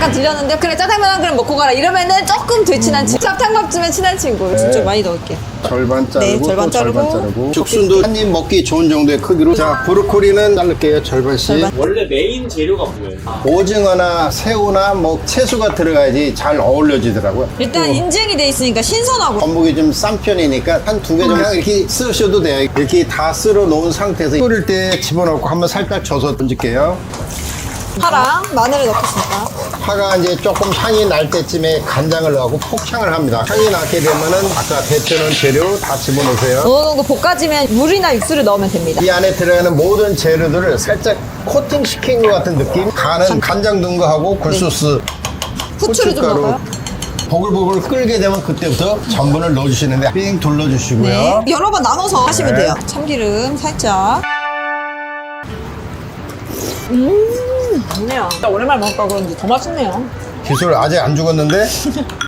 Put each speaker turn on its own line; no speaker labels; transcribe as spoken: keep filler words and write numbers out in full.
잠깐 들렸는데 그래 짜장면 한 그릇 먹고 가라 이러면은 조금 덜 친한 친구. 찹탕밥집에 친한 친구.
네.
좀 많이 넣을게요.
절반 자르고
네, 절반
또
자르고.
절반 자르고 죽순도 한 입 먹기 좋은 정도의 크기로. 자, 브로콜리는 자를게요. 절반씩.
절반.
원래 메인 재료가 뭐예요?
오징어나 새우나 뭐 채소가 들어가야지 잘 어울려지더라고요.
일단 인증이 돼 있으니까 신선하고.
전복이 좀 싼 편이니까 한 두 개 정도 그냥 이렇게 쓰셔도 돼요. 이렇게 다 쓸어 놓은 상태에서 끓일 때 집어넣고 한번 살짝 져서 던질게요.
파랑 마늘을 넣겠습니다.
파가 이제 조금 향이 날 때쯤에 간장을 넣고 폭향을 합니다. 향이 나게 되면은 아까 데쳐놓은 재료 다 집어넣으세요.
어느 정도 볶아지면 물이나 육수를 넣으면 됩니다.
이 안에 들어가는 모든 재료들을 살짝 코팅 시킨 것 같은 느낌. 간은 간장 넣은 거 하고 굴소스,
후추를 좀
고춧가루.
넣어요.
보글보글 끓게 되면 그때부터 전분을 넣어주시는데 삥 둘러주시고요.
네. 여러 번 나눠서 하시면
네.
돼요. 참기름 살짝. 음, 좋네요. 오랜만에 먹을까 그런지 더 맛있네요.
기술 아직 안 죽었는데